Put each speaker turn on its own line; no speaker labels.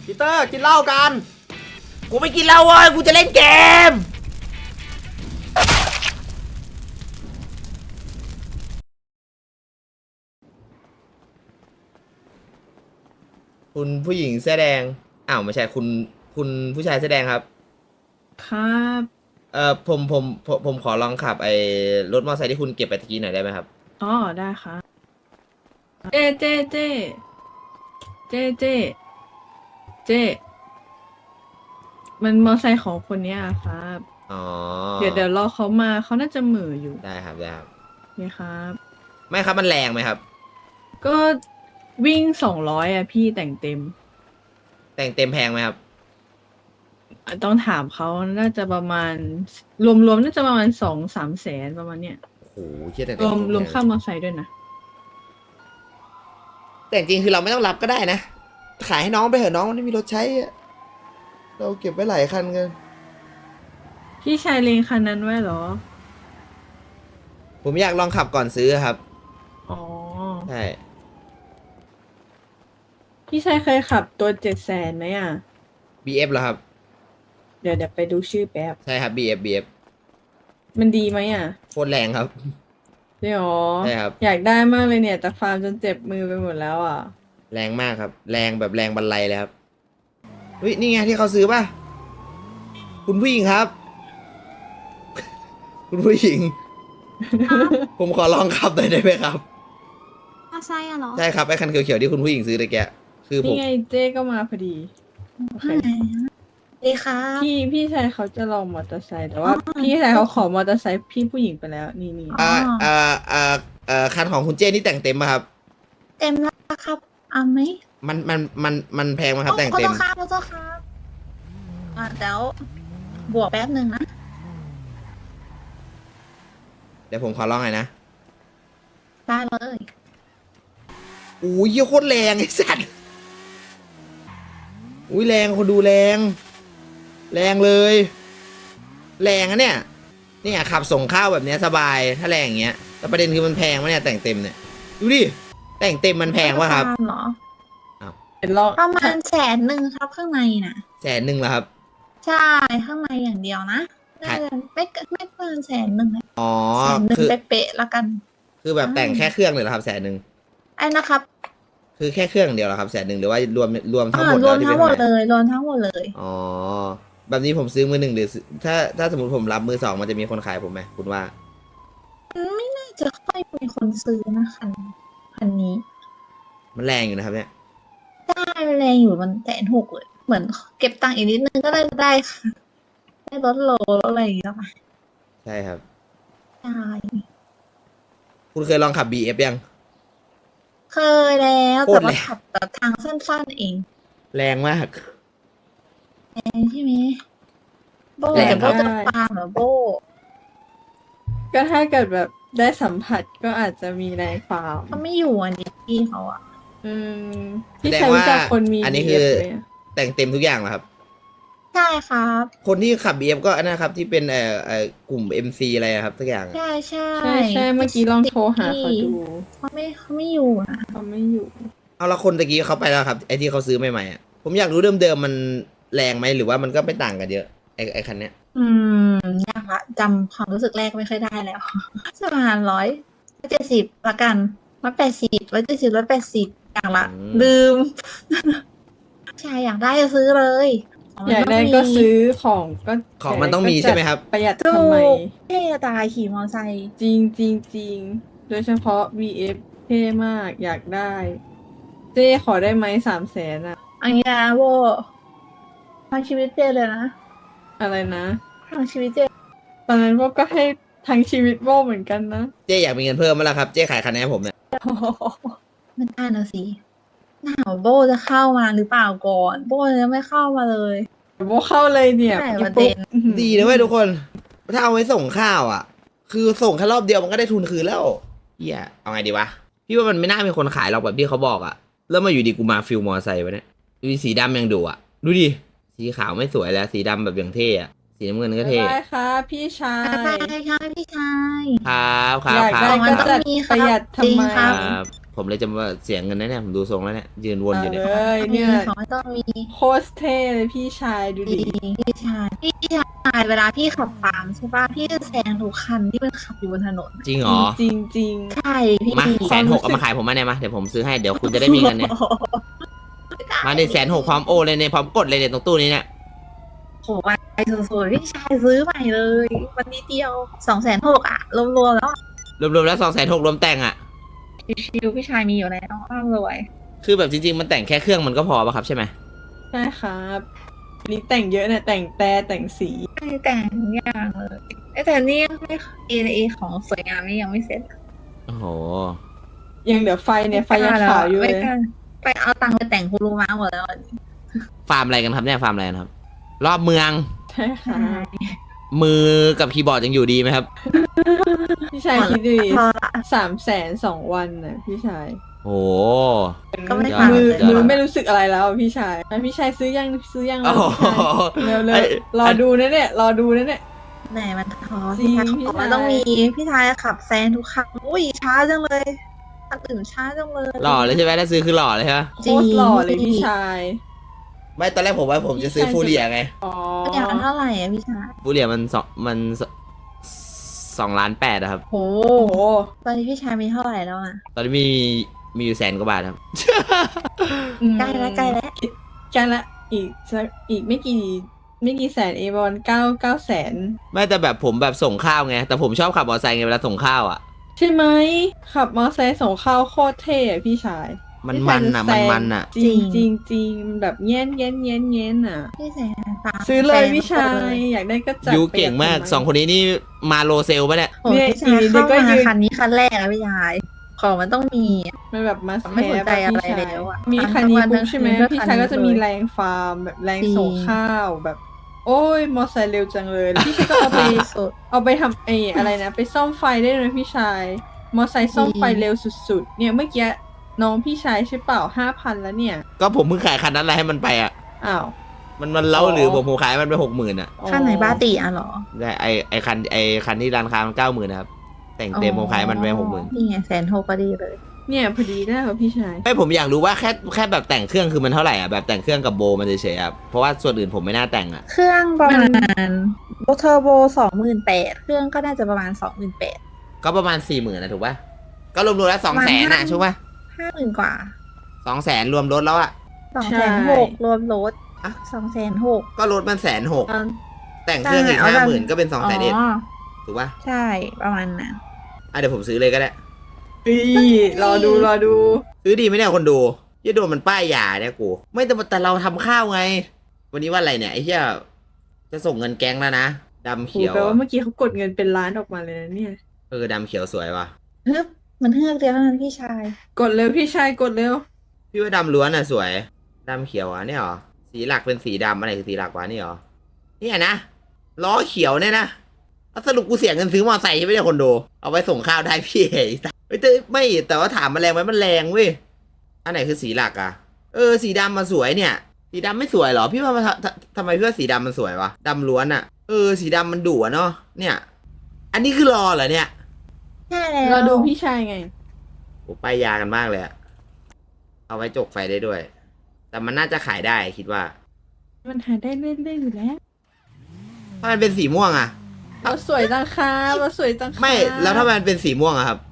ปีเตอร์กินเหล้ากัน
กูไม่กินเหล้าเว้ยกูจะเล่นเกมคุณผู้หญิงเสื้อแดงอ้าวไม่ใช่คุณผู้ชายเสื้อแดงครับ
ครับ
ผมขอลองขับไอ้รถมอเตอร์ไซค์ที่คุณเก็บไปตะกี้หน่อยได้ไหมครับ
อ๋อได้ครับเจมันมอไซค์ของคนเนี้ยครับ
อ๋อ
เดี๋ยวรอเขามาเขาน่าจะเหม่ออยู่
ได้ครับได้ครับ
นี่ครับ
ไม่ครับมันแรงไหมครับ
ก็วิ่ง200อ่ะพี่แต่งเต็ม
แต่งเต็มแพงไหมครับ
ต้องถามเขาน่าจะประมาณรวมๆน่าจะประมาณ2-3 แสนประมาณเนี้ย
โอ้โหเชี่ยแต่ง
ร
เต็
วม
แพง
ค่ามอไซค์ด้วยนะ
แต่จริงๆคือเราไม่ต้องรับก็ได้นะ ขายให้น้องไปเถอะน้องไม่มีรถใช้อะเราเก็บไว้หลายคันกัน
พี่ชายเลงคันนั้นไว้เหรอ
ผมอยากลองขับก่อนซื้อครับ
อ๋อ
ใช่
พี่ชายเคยขับตัว700,000ไหมอ่ะ
BF เหรอครับ
เดี๋ยวไปดูชื่อแป๊บ
ใช่ครับ BF
มันดีไหมอ่ะ
โคตรแรงครับ
เดี๋ยว
ใช่ครับ
อยากได้มากเลยเนี่ย แต่ฟาร์มจนเจ็บมือไปหมดแล้วอ่ะ
แรงมากครับ แรงแบบแรงบันไลเลยครับเฮ้ยนี่ไงที่เขาซื้อป่ะ คุณผู้หญิงครับ คุณผู้หญิง ผมขอลองขับหน่อยได้ไหมครับ
ใช่อะเหรอ
ใช่ครับไอ้คันเขียวๆที่คุณผู้หญิงซื้อตะแกะคือผม
นี่ไงเจ๊ก็มาพอดีโอเค
ดีค่ะ
พี่ชายเขาจะลองมอเตอร์ไซค์แต่ว่าพี่ชายเขาขอมอเตอร์ไซค์พี่ผู้หญิงไปแล้วนี่
คันของคุณเจ้นี่แต่งเต็มป่ะครับ
เต็มแล้วครับเอาไหม
มันแพงไหมครับแต่ง
ขอ
เต็
โท
ม
ษครับขอโทษครับเดี๋ยวบวกแป๊บหนึ่งนะ
เดี๋ยวผมขอลองหน่อยนะ
ได้เลย
อุ้ยเหี้ยโคตรแรงไอ้สัตว์อุ้ยแรงคนดูแรง แรงเลย แรงอะเนี่ยขับส่งข้าวแบบเนี้ยสบายถ้าแรงอย่างเงี้ยแต่ประเด็นคือมันแพงวะเนี่ยแต่งเต็มเนี่ยดูดิแต่งเต็มมันแพงวะครับ
เหรอ
เดี๋ยวลอง
ประมาณ100,000ครับข้างในน่ะ
100,000เหรอครับ
ใช่ข้างในอย่างเดียวนะน่าจะไม่เกิน100,000นะ
อ๋อ
100,000
คือ
เป๊ะๆละกัน
คือแบบแต่งแค่เครื่องเลยเหรอครับ100,000
ไอ้นะครับ
คือแค่เครื่องเดียวเหรอครับ100,000หรือว่ารวมทั้งหมด
ร
แล้ว วที่
มทั้
เป็น
งหมด
เท่าไห
เล
ร่
ยรวมทั้งหมดเลย
อ๋อแบบนี้ผมซื้อมือหนึ่งหรือถ้าสมมติผมรับมือสองมันจะมีคนขายผมไหมคุณว่า
น่าจะค่อยมีคนซื้อนะคันนี้
มันแรงอยู่นะครับเนี่ย
ได้แรงอยู่มัน160,000เลยเหมือนเก็บตังค์อีกนิดนึงก็ได้ค่ะได้ลดโลลดอะไรอย่างเงี้ยค่ะ
ใช่ครับ
ใช่
คุณเคยลองขับ BF ยัง
เคยแล้ว
โค
แต่
ตร
ว่า
แรง
ขับแต่ทางสั้นๆเอง
แรงมาก
ใช่ไหมโบ
แรง
แต่
ครั
โบ
บ
จะฟาร์มเหรอโบ
ก็ถ้าเกิดแบบได้สัมผัสก็อาจจะมีแรงฟาร์ม
เขาไม่อยู่อันนี้พี่เขาอะ
อืมพี่
แสด
ชาง ยรู้
ว่า
จักคนมี
อันนี้คือ
BF ไหมอะ
แต่งเต็มทุกอย่างเหรอครับ
ใช่ครับ
คนที่ขับ BF ก็อันนะครับที่เป็นกลุ่ม MC อะไรอะครับทุกอย่างอะ
ใช่ใช่
ใช่เมื่อกี้ลองโทรหาเขาดู
เขาไม่อยู่นะ
เขาไม่อยู่
เอาละคนตะกี้เขาไปแล้วครับไอที่เขาซื้อใหม่ๆอะผมอยากรู้เดิมๆมันแรงไหมหรือว่ามันก็ไม่ต่างกันเยอะไอคันเนี้ย
ยากละจำความรู้สึกแรกไม่ค่อยได้แล้ว ประมาณ170ละกัน170อย่างละลืม ใช่อยากได้จะซื้อเลย
อยากได้ก็ซื้อของ
มันต้องมีใช่ไหมครับ
ประหยัด
ถู
ทำไม
กเท่ตายขี่มอไซค์
จริงจริงจริงโดยเฉพาะ VF เท่มากอยากได้ เจ๊ขอได้ไหม300,000อ่ะ
อันนี้นะโบทางชีวิตเจเลยนะ
อะไรนะ
ทางชีวิตเจ
ตอนนั้นโบก็ให้ทั้งชีวิตโบเหมือนกันนะ
เจ๊อยากมีเงินเพิ่มมั้ยล่ะครับเจ๊ขายคันนี้ให้ผมเนี่ย
ไม่ได้นะสิหนาวโบจะเข้ามาหรือเปล่าก่อน โบยังไม่เข้ามาเลย
โบเข้าเลยเนี่ย
ใช่ประเด็น
ดีนะเว้ยทุกคนถ้าเอาไว้ส่งข้าวอ่ะ คือส่งแค่รอบเดียวมันก็ได้ทุนคืนแล้วเฮียเอาไงดีวะพี่ว่ามันไม่น่ามีคนขายหรอกแบบที่เขาบอกอ่ะแล้วมาอยู่ดีกูมาฟิลมอไซค์วะเนี่ยดูดิสีดำยังดูอ่ะดูดิสีขาวไม่สวยแล้วสีดำแบบอย่างเท่อะสีน้ำเงินก็เท่
ได้ค่ะพี่ชาย
ได้ค่ะพี่ชาย
ครับครั
อบ ยาก
ครั
ได้
บ
ก็จัดประหยัดทำไม
จริงค
ค
รั
รับ ผผมเลยจะมาเสียเงินนะเนี่ยผมดูทรงแล้วเนี่ยยืนวนอยู่เนี่ย
เอ้ยเนี่ย
ของไม่ต้องมี
โคตรเท่เลยพี่ชายดูดิ
พี่ชายเวลาพี่ขับตามใช่ป่ะพี่จะแซงทุกคันที่มันขับอยู่บนถนน
จริงเหรอ
จริงจริง
ใช่พี่
มา160,000เอามาขายผมมาเนี่ยมาเดี๋ยวผมซื้อให้เดี๋ยวคุณจะได้มีเงินเนี่ยมาใน160,000พร้อมโอเลยเนี่ยพร้อมกดเลยเนี่ยตรงตู้นี้เนี่ย
โหไปสวยๆพี่ชายซื้อใหม่เลยวันนี้เดียว260,000อ่ะรวมๆแล้ว
รวมๆแล้ว260,000รวมแต่งอ่ะ
ชิวๆพี่ชายมีอยู่แล้วอ้าวรวย
คือแบบจริงๆมันแต่งแค่เครื่องมันก็พอป่ะครับใช่ไหม
ใช่ครับอันนี้แต่งเยอะเนี่ยแต่งแต่แต่งสี
ไม่แต่งทุกอย่างเลยแต่นี่ยังไม่เอของสวยงามนี่ยังไม่เสร็จ
โอ้โห
ยังเหลือไฟเนี่ยไฟยังขาวอยู่เลย
ไม่กล้าไปเอาตังค์ไปแต่งคุรุมะหมดแล้ว
ฟาร์มอะไรกันครับเนี่ยฟาร์มอะไรกันครับ รอบเมือง
ใช่ค่ะ
มือกับคีย์บอร์ดยังอยู่ดีไหมครับ
พี่ชายคิดดูดิ
พอละ
300,002 วันน่ะพี่ชาย
โอ้โห
ก็ไม่
ยอ
ฟั
ด
ง
มือ
เดี๋ยว
มือไม่รู้สึกอะไรแล้วพี่ชายพี่ชายซื้อยัง
โอ้โห
เร็ว
ไอ้
ๆรอดูนะเนี่ยรอดูนะเนี่ย
ไหนมันท้อ
จริ
พี่
ง
ชายของ
พี่ชาย
มันต้องมีพี่ชายขับแซงทุกครั้งอุ้ยช้าจังเลยอันอื่นช้าจังเลย
หล่อเลยใช่ไหมถ้าซื้อคือหล่อเลยใช่ไหม
โคตรหล่อเลยพี่ชาย
ไม่ตอนแรกผมว่าผมจะซื้อฟูเรียไง
อ๋อ
อย่างละเท่าไหร่อะพี่ชาย
ฟูเรียมัน2.8 ล้านอะครับ
โห
โอ้โห
ตอนนี้พี่ชายมีเท่าไหร่แล้วอะ
ตอนนี้มีอยู่100,000 กว่าบาทครับ
ใกล้แล้วใกล้แล้ว
ใกล้ละอีกไม่กี่แสนเองประมาณ9 แสน
ไม่แต่แบบผมแบบส่งข้าวไงแต่ผมชอบขับมอเตอร์ไซค์ไงเวลาส่งข้าวอ่ะ
ใช่ไหมขับมอเตอร์ไซค์ส่งข้าวโคตรเท่อะพี่ชาย
มัน
พี่
มั
ชาย
น
จะ
อ่ะ
แซ
มัน
ง
มันอ่ะ
จริงจริงจริงแบบเงี้ยนอ่ะ
พี่แซงตาม
ซื้อเลย
แซง
พี่ชา
ทุกคน
ย
เล
อยากได้ก็จัด
ยูเก่งมาก
ไป
สองคนนี้นี่มาโลเซลปะเนี่ย
โอ้ยพี่ชายเข้ามาคันนี้คันแรกอะพี่ชายของมันต้องมีอะ
มันแบบมา
ไม่สนใจอะไร
พี่ชาย
แล้วอะ
มีคันนี้
ทั้งวัน
ปุ๊บใช่ไหม
ทั้งคืน
พี่ชายก็จะ
เพื่อคันนี้
มี
เลย
แรงฟาร์มแบบแรง
จริง
ส่งข้าวแบบ โอ้ยมอเตอร์ไซค์เร็วจังเลยแล้วพี่ชายก็เอาไป
สุด
เอาไปทำอะไรนะ ไปซ่อมไฟได้เลยพี่ชาย มอไซค์ซ่อมไฟเร็วสุดๆ เนี่ยเมื่อกี้น้องพี่ชายใช่เปล่า5,000แล้วเนี่ย
ก็ผมเพิ่งขายคันนั้นอะไรให้มันไปอ่ะ
อ้าว
มันเล้าหรือผมขายมันไป60,000อ่ะ
ข้างไหนบ้าตีอ่ะเหรอ
แต่ไอคันที่ร้านค้ามัน90,000นะครับแต่งเต็มผมขายมันไป60,000
นี่ไง160,000พอดีเลย
เนี่ยพอดีได้ครับพี่ชาย
ไม่ผมอยากรู้ว่าแค่แบบแต่งเครื่องคือมันเท่าไหร่อ่ะแบบแต่งเครื่องกับโบมันเฉยๆอ่ะเพราะว่าส่วนอื่นผมไม่น่าแต่งอ่ะ
เครื่องประมาณเทอร์โบ28,000เครื่องก็น่าจะประมาณ28,000
ก็ประมาณ40,000นะถูกป่ะก็รวมๆแล้ว200,000อ่ะใช่ป่ะ
50,000กว่า
200,000รวมรถแล้วอ่ะ
260,000รวมรถ
อะ
260,000
ก็รถมัน160,000
เอา
แต่งเครื่องอีก
ใช่เอาแบบ
50,000ก็เป็น200,000เอ็ด
อ๋อ
ถูกป่ะ
ใช่ประมาณนั้น
อ่ะเดี๋ยวผมซื้อเลยก็ได้
รอดู
ซื้อดีไหมเนี่ยคนดูยี่โดนมันป้ายยาเนี่ยกูไม่แต่เราทำข้าวไง วันนี้ว่าอะไรเนี่ยไอ้เหี้ยจะส่งเงินแก๊งแล้วนะดำ
โห
เขียว
แปลว่าเมื่อกี้เขากดเงินเป็นล้านออกมาเลยนะเนี่ย
ดำเขียวสวยว่ะ
ฮึบมันเฮือกเดียวเท่านั้นพี่ชาย
กดเร็วพี่ชายกดเร็ว
พี่ว่าดำล้วนอ่ะสวยดำเขียวอ่ะเนี่ยเหรอสีหลักเป็นสีดำอะไรคือสีหลักวะนี่เหรอเนี่ยนะล้อเขียวเนี่ยนะแล้วสรุปกูเสียเงินซื้อมอเตอร์ไซค์ใช่ไหมเนี่ยคนดูเอาไว้ส่งข้าวได้พี่เฮ้ยแต่ไม่แต่ว่าถามมันแรงไหมมันแรงเว้ยอันไหนคือสีหลักอ่ะสีดำมาสวยเนี่ย สีดำไม่สวยเหรอพี่ว่าทำไมพี่ว่าสีดำมันสวยวะดำล้วนอ่ะสีดำมันดุอะเนาะเนี่ย อันนี้คือรอเหรอเนี่ย
ใช่แล้ว
รอดูพี่ชายไง
โอ้ป้ายยากันมากเลยอะเอาไว้จกไฟได้ด้วย แต่มันน่าจะขายได้คิดว่า
มันหาได้เล่นๆอยู่แล้ว
ถ้ามันเป็นสีม่วงอะ
เราสวยจังค่ะเราสวยจังค่ะ
ไม่แล้วถ้ามันเป็นสีม่วงอะครับ